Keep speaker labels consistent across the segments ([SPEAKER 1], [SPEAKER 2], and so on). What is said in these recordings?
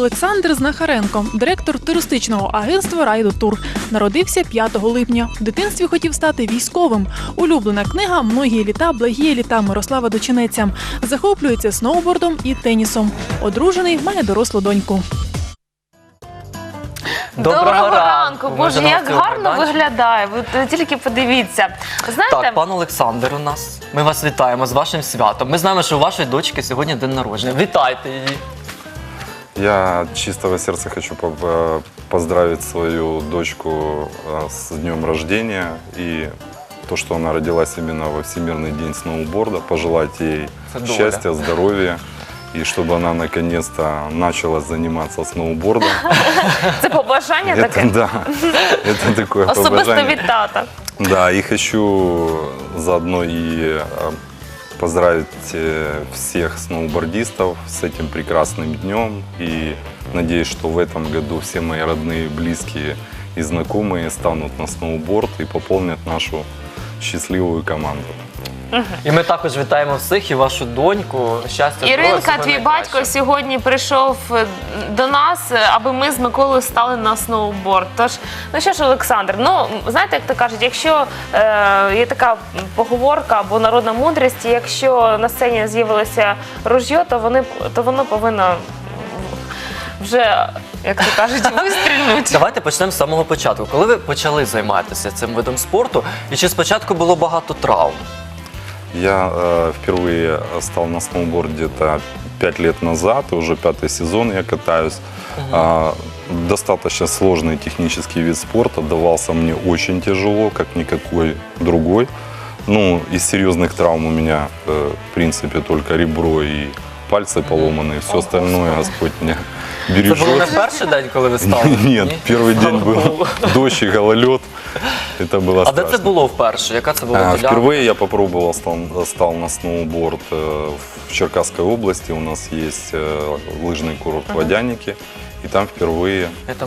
[SPEAKER 1] Олександр Знахаренко, директор туристичного агентства «Райдотур». Народився 5 липня. В дитинстві хотів стати військовим. Улюблена книга «Многі літа, благі літа» Мирослава Дочинеця. Захоплюється сноубордом і тенісом. Одружений, має дорослу доньку.
[SPEAKER 2] Доброго ранку! Боже, як гарно виглядає. Ви тільки подивіться. Знаєте...
[SPEAKER 3] Так, пан Олександр у нас. Ми вас вітаємо з вашим святом. Ми знаємо, що у вашої дочки сьогодні день народження. Вітайте її.
[SPEAKER 4] Я от чистого сердца хочу поздравить свою дочку с днем рождения. И то, что она родилась именно во Всемирный день сноуборда, пожелать ей счастья, здоровья. И чтобы она наконец-то начала заниматься сноубордом.
[SPEAKER 2] Це побажання таке?
[SPEAKER 4] Да, это такое побажання.
[SPEAKER 2] Особисто від тата.
[SPEAKER 4] Да, и хочу заодно и поздравить всех сноубордистов с этим прекрасным днем. И надеюсь, что в этом году все мои родные, близкие и знакомые станут на сноуборд и пополнят нашу счастливую команду.
[SPEAKER 3] І ми також вітаємо всіх і вашу доньку. Щастя,
[SPEAKER 2] Іринка, твій батько сьогодні прийшов до нас, аби ми з Миколою стали на сноуборд. Тож, ну що ж, Олександр, ну, знаєте, як то кажуть, якщо є така поговорка або народна мудрість, якщо на сцені з'явилося ружьо, то воно повинно вже, як то кажуть, вистрілити.
[SPEAKER 3] Давайте почнемо з самого початку. Коли ви почали займатися цим видом спорту, і чи спочатку було багато травм?
[SPEAKER 4] Я впервые стал на сноуборд где-то 5 лет назад, и уже 5-й сезон я катаюсь. Достаточно сложный технический вид спорта, давался мне очень тяжело, как никакой другой. Ну, из серьезных травм у меня, в принципе, только ребро и пальцы поломаны, все остальное Господь меня бережет.
[SPEAKER 3] Це було не перший день, коли ви стали?
[SPEAKER 4] Нет, первый день был дождь и гололед. Это было
[SPEAKER 3] страшно. А де це було вперше? Яка це була ділянка?
[SPEAKER 4] Впервые я попробовал, стал на сноуборд в Черкасской области. У нас есть лыжный курорт Водяники. И там впервые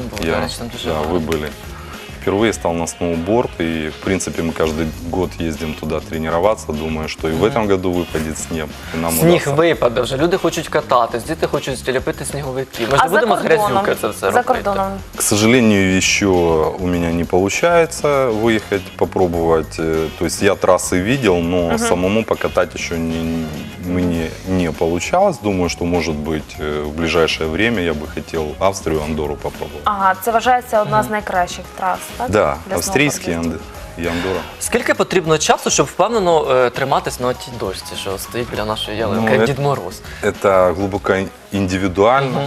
[SPEAKER 4] вы были. Впервые стал на сноуборд, и, в принципе, мы каждый год ездим туда тренироваться. Думаю, что и в этом году выпадет снег. И нам
[SPEAKER 3] сніг випаде вже, люди хочуть кататись, діти хочуть ліпити сніговики. Ми ж не будемо з грязюки це все робити.
[SPEAKER 2] За кордоном?
[SPEAKER 4] К сожалению, еще у меня не получается выехать, попробовать. То есть я трассы видел, но самому покатать еще мне не получалось. Думаю, что, может быть, в ближайшее время я бы хотел Австрию, Андору попробовать.
[SPEAKER 2] Ага, це вважається одна з найкращих трас, так?
[SPEAKER 4] Да, австрійські і Андора.
[SPEAKER 3] Скільки потрібно часу, щоб впевнено триматись на тій дошці, що стоїть біля нашої ялинки, як Дід Мороз?
[SPEAKER 4] Это глубоко индивидуально,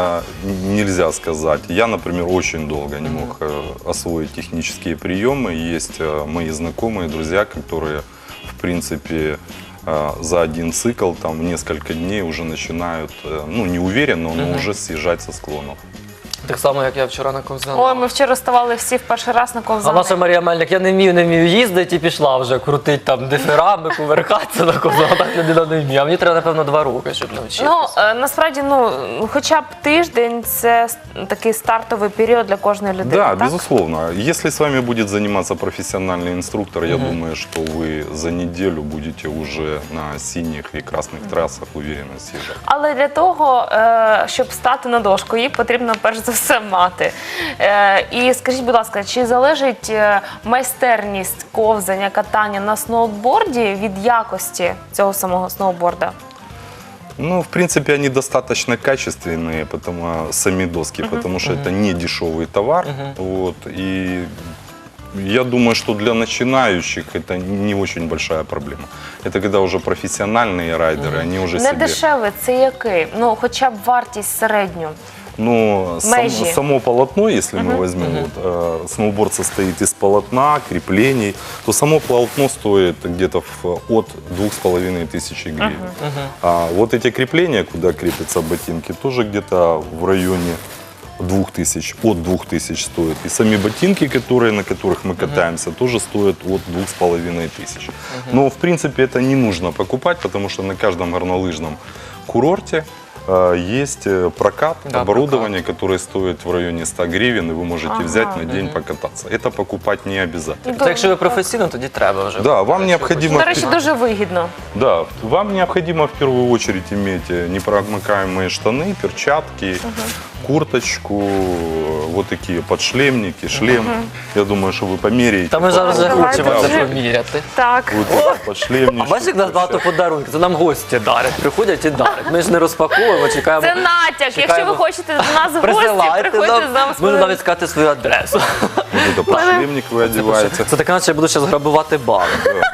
[SPEAKER 4] нельзя сказать. Я, например, очень долго не мог освоить технические приемы. Есть мои знакомые, друзья, которые, в принципе, за один цикл, там, в несколько дней уже начинают, ну, не уверенно, но уже съезжать со склонов.
[SPEAKER 3] Так само, як я вчора на ковзанах.
[SPEAKER 2] Ой, ми вчора ставали всі в перший раз на
[SPEAKER 3] А
[SPEAKER 2] ковзани.
[SPEAKER 3] наша Марія Мельник, я не вмію їздити і пішла вже крутить там диферами, кувиркатися на ковзанах. Так людина не вміє. А мені треба, напевно, 2 роки, щоб навчитися.
[SPEAKER 2] Ну, насправді, хоча б тиждень – це такий стартовий період для кожної людини,
[SPEAKER 4] Да,
[SPEAKER 2] так?
[SPEAKER 4] безусловно. Если с вами будет заниматься профессиональный инструктор, я думаю, что вы за неделю будете уже на синих и красных трассах уверенно съезжать.
[SPEAKER 2] Але для того, щоб стати на дошку, її потрібно перш за все мати. І скажіть, будь ласка, чи залежить майстерність ковзання, катання на сноуборді від якості цього самого сноуборда?
[SPEAKER 4] Ну, в принципе, они достаточно качественные, сами доски, потому что это не дешевый товар. Вот, и я думаю, что для начинающих это не очень большая проблема. Это когда уже профессиональные райдеры, они уже
[SPEAKER 2] Не дешевий, це який? Ну, хоча б вартість середню.
[SPEAKER 4] Но само полотно, если мы возьмем, вот, сноуборд состоит из полотна, креплений, то само полотно стоит где-то от 2500 гривен. А вот эти крепления, куда крепятся ботинки, тоже где-то в районе 2000, от 2000 стоят. И сами ботинки, на которых мы катаемся, тоже стоят от 2500. Но, в принципе, это не нужно покупать, потому что на каждом горнолыжном курорте есть прокат, оборудование, которое стоит в районе 100 гривен, и вы можете взять на день покататься. Это покупать не обязательно.
[SPEAKER 3] То якщо ви професійно, тоді треба вже.
[SPEAKER 4] Да, вам необходимо...
[SPEAKER 2] До речі, дуже вигідно.
[SPEAKER 4] Да, вам необходимо в первую очередь иметь непромокаемые штаны, перчатки, курточку, вот такие подшлемники, шлем. Я думаю, что вы померяете.
[SPEAKER 3] Та ми зараз вже
[SPEAKER 2] Давайте
[SPEAKER 3] хочемо це
[SPEAKER 2] вже.
[SPEAKER 3] поміряти.
[SPEAKER 2] Так.
[SPEAKER 4] Вот эти подшлемнички.
[SPEAKER 3] А бачиш, як нас багато подарунків, це нам гості дарять, приходять і дарять. Ми ж не розпаковуємо, чекаємо.
[SPEAKER 2] Це натяк. Якщо
[SPEAKER 3] чекаємо.
[SPEAKER 2] ви хочете до нас в гості,
[SPEAKER 3] Присилайте
[SPEAKER 2] приходьте з нами.
[SPEAKER 3] можна навіть сказати свою адресу.
[SPEAKER 4] Вот это подшлемник вы одеваете.
[SPEAKER 3] Це таке, наче я буду зараз грабувати бали.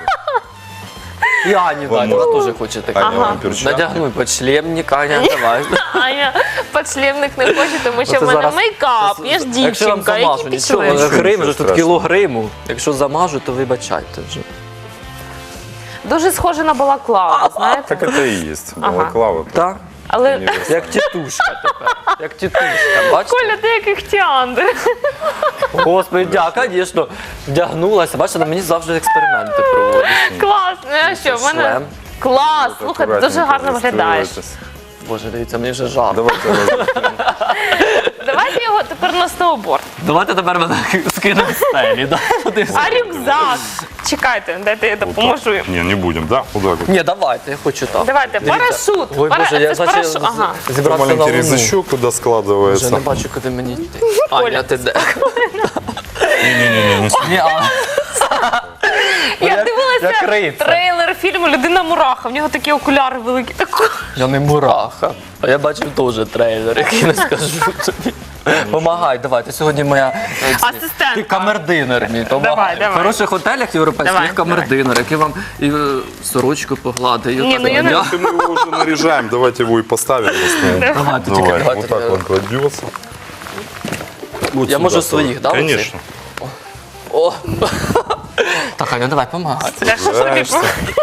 [SPEAKER 3] І Ані
[SPEAKER 4] Вам
[SPEAKER 3] дати, вона
[SPEAKER 4] можна.
[SPEAKER 3] теж хоче таке.
[SPEAKER 4] Аня, вам перчатки.
[SPEAKER 3] Надягнуй подшлемник, Аня, давай.
[SPEAKER 2] Аня, подшлемник не хоче, тому що
[SPEAKER 3] Оце
[SPEAKER 2] в мене
[SPEAKER 3] зараз-
[SPEAKER 2] мейкап, я ж
[SPEAKER 3] Якщо вам
[SPEAKER 2] дівчинка,
[SPEAKER 3] замажу,
[SPEAKER 2] які
[SPEAKER 3] нічого,
[SPEAKER 2] підшли.
[SPEAKER 3] Грим,
[SPEAKER 4] Нічого
[SPEAKER 3] вже тут
[SPEAKER 4] страшного.
[SPEAKER 3] кіло гриму. Якщо замажу, то вибачайте вже.
[SPEAKER 2] Дуже схоже на балаклаву, знаєте?
[SPEAKER 4] Так это и есть. Балаклава.
[SPEAKER 3] Так?
[SPEAKER 2] Але
[SPEAKER 3] Як тітушка тепер. Як тітушка, бачите?
[SPEAKER 2] Коля, ти як Іхтіандр.
[SPEAKER 3] Господи, звісно, вдягнулася. Бачите, на мені завжди експерименти проводять.
[SPEAKER 2] Клас. Ну а що, в мене
[SPEAKER 3] Шлем.
[SPEAKER 2] клас. Слухай, ти дуже гарно виглядаєш.
[SPEAKER 3] Боже, дивіться, мені вже жарко.
[SPEAKER 4] Давайте
[SPEAKER 2] Давайте його тепер на сноуборд.
[SPEAKER 3] Давайте тепер мене скинемо з стелі. Да?
[SPEAKER 2] А рюкзак? Чекайте, дайте я допоможу їм.
[SPEAKER 4] Не, не будем, да? Вот так вот.
[SPEAKER 3] Ні, давайте, я хочу так.
[SPEAKER 2] Давайте, парашут.
[SPEAKER 3] Ой, Боже, я
[SPEAKER 2] Це ж
[SPEAKER 3] значить
[SPEAKER 2] парашут. Ага.
[SPEAKER 3] зібрався на
[SPEAKER 4] Маленький
[SPEAKER 3] луну.
[SPEAKER 4] резачок куда
[SPEAKER 3] Вже
[SPEAKER 4] складывается.
[SPEAKER 3] не бачу, куди мені йти. Аня, ти де?
[SPEAKER 4] Не-не-не,
[SPEAKER 3] Ні, а.
[SPEAKER 2] Я
[SPEAKER 3] як
[SPEAKER 2] дивилася
[SPEAKER 3] рицар.
[SPEAKER 2] трейлер фільму «Людина мураха». В нього такі окуляри великі.
[SPEAKER 3] Я не мураха. А я бачив теж трейлер, який не скажу тобі. Помагай, давай. Ти сьогодні моя
[SPEAKER 2] Асистентка.
[SPEAKER 3] Ти камердинер мій.
[SPEAKER 2] Давай,
[SPEAKER 3] В
[SPEAKER 2] давай.
[SPEAKER 3] хороших готелях європейських
[SPEAKER 2] Давай,
[SPEAKER 3] є камердинер, який вам і сорочку погладить.
[SPEAKER 2] Ні, ну я не-
[SPEAKER 4] Если мы его уже наряжаем, давайте его и поставим на стол.
[SPEAKER 3] Давайте, тільки
[SPEAKER 4] Давай,
[SPEAKER 3] давайте.
[SPEAKER 4] вот так он кладется. Вот
[SPEAKER 3] Я
[SPEAKER 4] сюда
[SPEAKER 3] можу
[SPEAKER 4] тоже.
[SPEAKER 3] своїх, да, оці?
[SPEAKER 4] Конечно.
[SPEAKER 3] О. Так, Аня, давай, помагай.
[SPEAKER 2] Та що ж тобі?
[SPEAKER 4] Нравишься?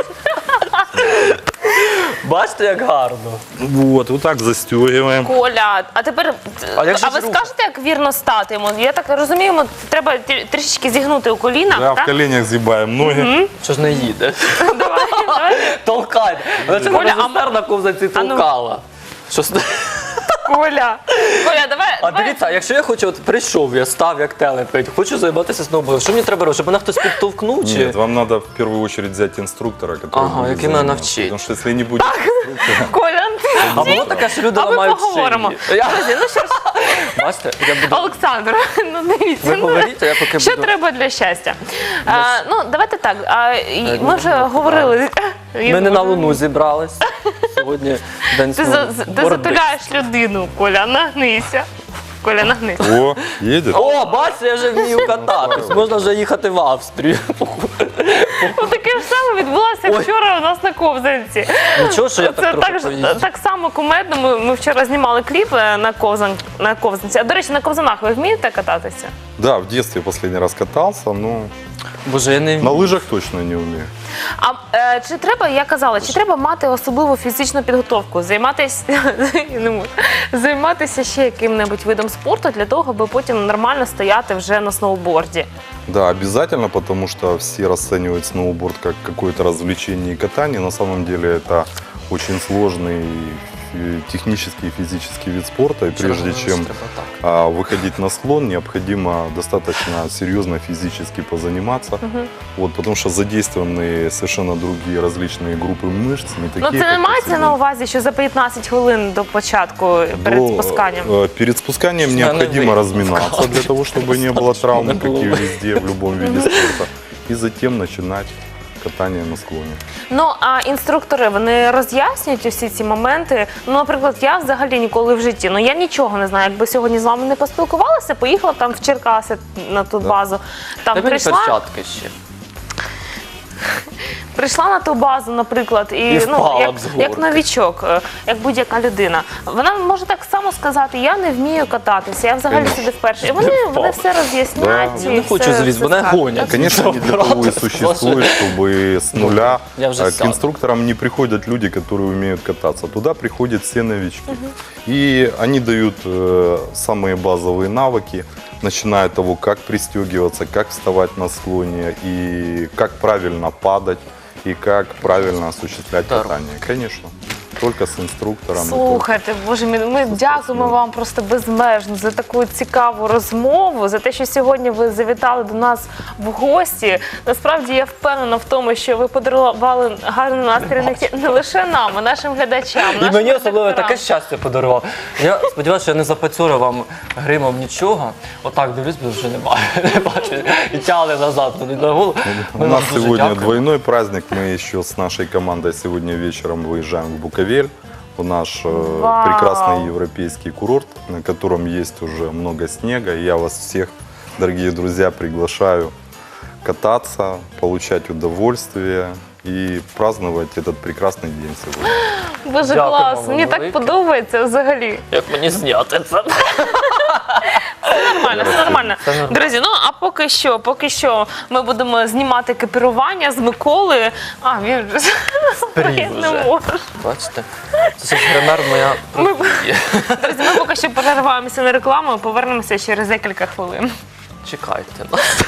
[SPEAKER 3] Бачите, як гарно.
[SPEAKER 4] Вот так застегиваем.
[SPEAKER 2] Коля, а тепер,
[SPEAKER 3] А як же
[SPEAKER 2] а ви
[SPEAKER 3] ж рука?
[SPEAKER 2] скажете, як вірно стати йому? Я так розумію, йому треба трішечки зігнути у колінах,
[SPEAKER 4] Да, в
[SPEAKER 2] так?
[SPEAKER 4] коленях сгибаем ноги.
[SPEAKER 3] Що ж не їде?
[SPEAKER 2] Давай.
[SPEAKER 3] Толкай. Вона це
[SPEAKER 2] Коля,
[SPEAKER 3] режисер на ковзанці
[SPEAKER 2] а ну.
[SPEAKER 3] толкала. Що ж-
[SPEAKER 2] Коля, давай.
[SPEAKER 3] А дивіться, а якщо я хочу, от прийшов, я став як телепень, хочу займатися сноубордом, що мені треба робити? Щоб мене хтось підтовкнув чи?
[SPEAKER 4] Нет, вам надо в первую очередь взять инструктора, который
[SPEAKER 3] Ага,
[SPEAKER 4] будет
[SPEAKER 3] який мене
[SPEAKER 4] заниматься.
[SPEAKER 3] навчить.
[SPEAKER 4] Потому что если не будет инструктора,
[SPEAKER 2] Коля,
[SPEAKER 3] А було таке, що люди
[SPEAKER 2] а ми
[SPEAKER 3] ламають
[SPEAKER 2] поговоримо.
[SPEAKER 3] шиї.
[SPEAKER 2] Друзі, ну що ж,
[SPEAKER 3] Бачите, я буду...
[SPEAKER 2] Олександр, ну дивіться.
[SPEAKER 3] Ви
[SPEAKER 2] ну,
[SPEAKER 3] говоріть, а я поки
[SPEAKER 2] Що
[SPEAKER 3] буду...
[SPEAKER 2] треба для щастя? Ну, давайте так. Ми вже говорили.
[SPEAKER 3] Ми не на Луну зібрались. Сьогодні день
[SPEAKER 2] Ти
[SPEAKER 3] сноуборду.
[SPEAKER 2] затуляєш людину, Коля, нагнися. Коля, нагнися.
[SPEAKER 4] о, едет.
[SPEAKER 3] О, бачите, я вже вмію кататись. Можна вже їхати в Австрію.
[SPEAKER 2] Таке ж саме відбулося
[SPEAKER 3] Ой.
[SPEAKER 2] вчора у нас на ковзанці.
[SPEAKER 3] Нічого, що я
[SPEAKER 2] Це
[SPEAKER 3] так трохи
[SPEAKER 2] так,
[SPEAKER 3] поїздив.
[SPEAKER 2] так само кумедно. Ми вчора знімали кліп на ковзанці. А до речі, на ковзанах ви вмієте кататися?
[SPEAKER 4] Да, в детстве последний раз катался, но
[SPEAKER 3] Боже, я не
[SPEAKER 4] на
[SPEAKER 3] вмію.
[SPEAKER 4] лыжах точно не умею.
[SPEAKER 2] А чи треба, я казала, чи треба мати особливу фізичну підготовку, займатися ще яким-небудь видом спорту для того, аби потім нормально стояти вже на сноуборді?
[SPEAKER 4] Да, обязательно, потому что все расценивают сноуборд как какое-то развлечение и катание. На самом деле это очень сложный технический и физический вид спорта. И прежде чем
[SPEAKER 3] Треба так.
[SPEAKER 4] выходить на склон, необходимо достаточно серьезно физически позаниматься. Вот, потому что задействованы совершенно другие различные группы мышц. Не
[SPEAKER 2] Ну
[SPEAKER 4] такие,
[SPEAKER 2] це не
[SPEAKER 4] как
[SPEAKER 2] мається
[SPEAKER 4] если
[SPEAKER 2] на увазі, що за 15 хвилин до початку перед спусканням?
[SPEAKER 4] Перед спусканием
[SPEAKER 3] Наверное,
[SPEAKER 4] необходимо
[SPEAKER 3] вы
[SPEAKER 4] разминаться для того, чтобы не было травм,
[SPEAKER 3] Не
[SPEAKER 4] как
[SPEAKER 3] было.
[SPEAKER 4] и везде, в любом виде спорта. И затем начинать катание на склоне.
[SPEAKER 2] Ну а інструктори вони роз'яснюють усі ці моменти. Ну, наприклад, я взагалі ніколи в житті. Ну я нічого не знаю. Якби сьогодні з вами не поспілкувалася, поїхала там в Черкаси на ту базу. Там
[SPEAKER 3] Дай мені
[SPEAKER 2] прийшла.
[SPEAKER 3] перчатки ще.
[SPEAKER 2] Прийшла на ту базу, наприклад, і
[SPEAKER 3] впала
[SPEAKER 2] як,
[SPEAKER 3] б з горки.
[SPEAKER 2] як новічок, як будь-яка людина. Вона може так само сказати: я не вмію кататися, я взагалі сюди вперше. І вони все роз'яснять.
[SPEAKER 4] Да.
[SPEAKER 2] і
[SPEAKER 3] Я не хочу
[SPEAKER 2] все-
[SPEAKER 3] звіз,
[SPEAKER 2] все
[SPEAKER 3] мене
[SPEAKER 2] скажуть.
[SPEAKER 3] гонять.
[SPEAKER 4] Конечно, не для того и существует, чтобы с нуля
[SPEAKER 3] Я уже
[SPEAKER 4] к
[SPEAKER 3] сяду.
[SPEAKER 4] инструкторам не приходят люди, которые умеют кататься. Туда приходят все новички. И они дают самые базовые навыки, начиная от того, как пристегиваться, как вставать на склоне, и как правильно падать, и как правильно осуществлять
[SPEAKER 3] Здорово.
[SPEAKER 4] катание. Конечно. только с инструктором. и только-
[SPEAKER 2] Слухайте, Боже мій, ми дякуємо вам просто безмежно за таку цікаву розмову, за те, що сьогодні ви завітали до нас в гості. Насправді я впевнена в тому, що ви подарували гарний настрій не лише нам, а нашим глядачам.
[SPEAKER 3] І
[SPEAKER 2] нашим
[SPEAKER 3] мені особливо
[SPEAKER 2] редакторам.
[SPEAKER 3] таке щастя подарував. Я сподіваюся, що я не запацюрив вам гримом нічого. Отак дивлюсь, бо вже не бачу. І тягли назад туди на голову.
[SPEAKER 4] У
[SPEAKER 3] Ми вам
[SPEAKER 4] нас
[SPEAKER 3] дуже
[SPEAKER 4] сегодня
[SPEAKER 3] дякуємо.
[SPEAKER 4] двойной праздник. Мы еще с нашей командой сегодня вечером выезжаем в Буковель. В наш
[SPEAKER 2] Вау.
[SPEAKER 4] прекрасный европейский курорт, на котором есть уже много снега. И я вас всех, дорогие друзья, приглашаю кататься, получать удовольствие и праздновать этот прекрасный день сегодня.
[SPEAKER 2] Боже,
[SPEAKER 3] Дякуємо
[SPEAKER 2] клас,
[SPEAKER 3] вам
[SPEAKER 2] мені так
[SPEAKER 3] велике.
[SPEAKER 2] подобається взагалі.
[SPEAKER 3] Як мені зняти це?
[SPEAKER 2] Нормально, все нормально.
[SPEAKER 3] Це нормально.
[SPEAKER 2] Друзі, ну а поки що ми будемо знімати екіпірування з Миколою. А, він вже
[SPEAKER 3] Прів
[SPEAKER 2] не
[SPEAKER 3] вже.
[SPEAKER 2] може.
[SPEAKER 3] Бачите? Це ж гример моя професія.
[SPEAKER 2] Друзі, ми поки що перерваємося на рекламу і повернемося через декілька хвилин.
[SPEAKER 3] Чекайте нас.